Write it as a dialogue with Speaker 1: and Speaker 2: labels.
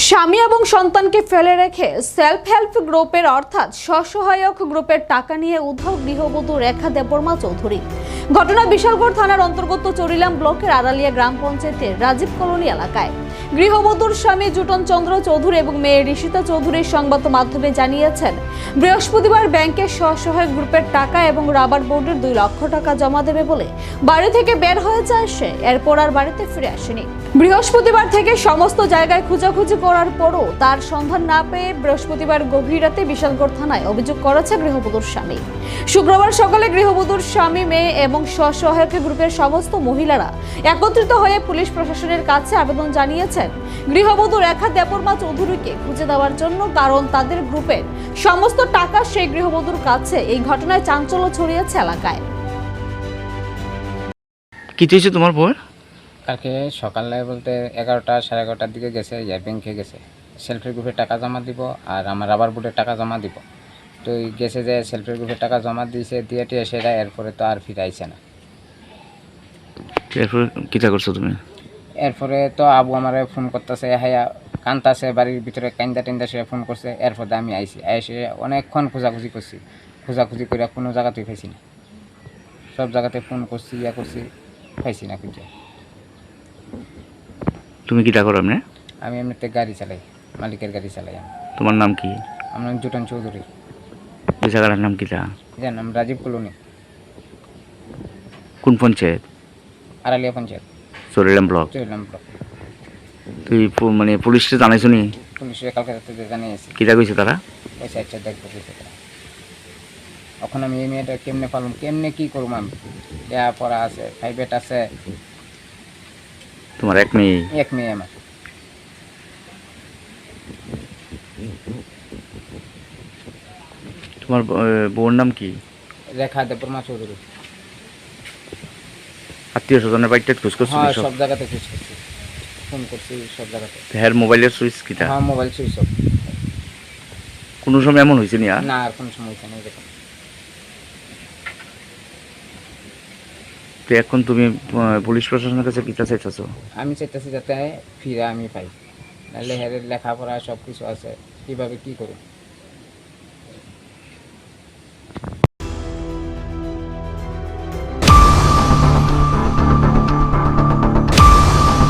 Speaker 1: স্বামী এবং সন্তানকে ফেলে রেখে সেলফ হেল্প গ্রুপের অর্থাৎ স্বসহায়ক গ্রুপের টাকা নিয়ে উধাও গৃহবধূ রেখা দেববর্মা চৌধুরী। ঘটনা বিশালগড় থানার অন্তর্গত চরিলাম ব্লকের আড়ালিয়া গ্রাম পঞ্চায়েতের রাজীব কলোনি এলাকায়। গৃহবধূর স্বামী জুটন চন্দ্র চৌধুরী এবং মেয়ে ঋষিতা চৌধুরী সংবাদ মাধ্যমে জানিয়েছেন, বৃহস্পতিবার ব্যাংকের স্বসহায়ক গ্রুপের টাকা এবং রাবার বোর্ডের 2 লক্ষ টাকা জমা দেবে বলে বাড়ি থেকে বের হয়ে যায় সে। এরপর আর বাড়িতে ফিরে আসেনি। বৃহস্পতিবার থেকে সমস্ত জায়গায় খোঁজাখুঁজি করার পরও তার সন্ধান না পেয়ে বৃহস্পতিবার গভীর রাতে বিশালগড় থানায় অভিযোগ করেছে গৃহবধূর স্বামী। শুক্রবার সকালে গৃহবধূর স্বামী, মেয়ে এবং স্বসহায়ক গ্রুপের সমস্ত মহিলারা একত্রিত হয়ে পুলিশ প্রশাসনের কাছে আবেদন জানিয়েছেন গৃহবধূ রেখা দেববর্মা চৌধুরীকে খুঁজে দেওয়ার জন্য, কারণ তাদের গ্রুপের সমস্ত টাকা সেই গৃহবধূর কাছে। এই ঘটনায় চাঞ্চল্য ছড়িয়েছে এলাকায়।
Speaker 2: কি হয়েছে তোমার বউ?
Speaker 3: কালকে সকালে বলতে 11টা সাড়ে 11টার দিকে গেছে, ব্যাংকে গেছে সেলফের গ্রুপের টাকা জমা দিব আর আমার রাবার বোর্ডের টাকা জমা দিব। তো গেছে যে সেলফের গ্রুপের টাকা জমা দিয়েছে, দিয়ে টিয়ে সেটা এরপরে তো আর ফিরে আইছে না।
Speaker 2: এরপরে কিটা করছো তুমি?
Speaker 3: এরপরে তো আবু আমারে ফোন করতেছে, হাইয়া কান্তাছে বাড়ির ভিতরে, কান্দা টেন্দা সে ফোন করছে। এরপরে আমি আইছি, এসে অনেকক্ষণ খোঁজাখুঁজি করছি, খোঁজাখুঁজি করে কোনো জায়গাতেই পাইছি না। সব জায়গাতে ফোন করছি, করছি, পাইছি না খুঁজে।
Speaker 2: তুমি কিটা করো এমনি?
Speaker 3: আমি এমনিতে গাড়ি চালাই, মালিকের গাড়ি চালাই আমি।
Speaker 2: তোমার নাম কি?
Speaker 3: আমার নাম জুটন চৌধুরী।
Speaker 2: এই জায়গাটার নাম কিটা?
Speaker 3: যার নাম রাজীব কলোনি,
Speaker 2: কোন পঞ্চায়েত?
Speaker 3: আড়ালিয়া পঞ্চায়েত,
Speaker 2: চরিলাম ব্লক।
Speaker 3: চরিলাম ব্লক।
Speaker 2: তুই মানে পুলিশকে জানাইছো নি?
Speaker 3: পুলিশে কালকে রাতে জানিয়েছি,
Speaker 2: কিটা কইছে তারা?
Speaker 3: পয়সা আচ্ছা দেখবো কইছে তারা। এখন আমি এই মেয়েটা কেমনে পালন, কেমনে কি করবো? আমি দেয়া পড়া আছে, প্রাইভেট আছে,
Speaker 2: তোমার এক মেয়ে?
Speaker 3: এক মেয়ে আমার।
Speaker 2: তোমার বউর নাম কি?
Speaker 3: রেখা দেববর্মা চৌধুরী।
Speaker 2: আত্মীয় স্বজনের বাড়িতে খোঁজ করছো?
Speaker 3: হ্যাঁ, সব জায়গাতে খোঁজ করছি, ফোন করছি সব জায়গাতে।
Speaker 2: হ্যার মোবাইলের সুইচ কিটা?
Speaker 3: হ্যাঁ, মোবাইল সুইচ অফ।
Speaker 2: কোনো সময় এমন হয়েছে নি?
Speaker 3: না, আর কোনো সময় হয়েছে না এরকম।
Speaker 2: তো এখন তুমি পুলিশ প্রশাসনের কাছে কিটা চাইতেছো?
Speaker 3: আমি চাইতেছি যাতে ফিরে আমি পাই, নাহলে হেরের লেখাপড়া সব কিছু আছে, কীভাবে কী করব।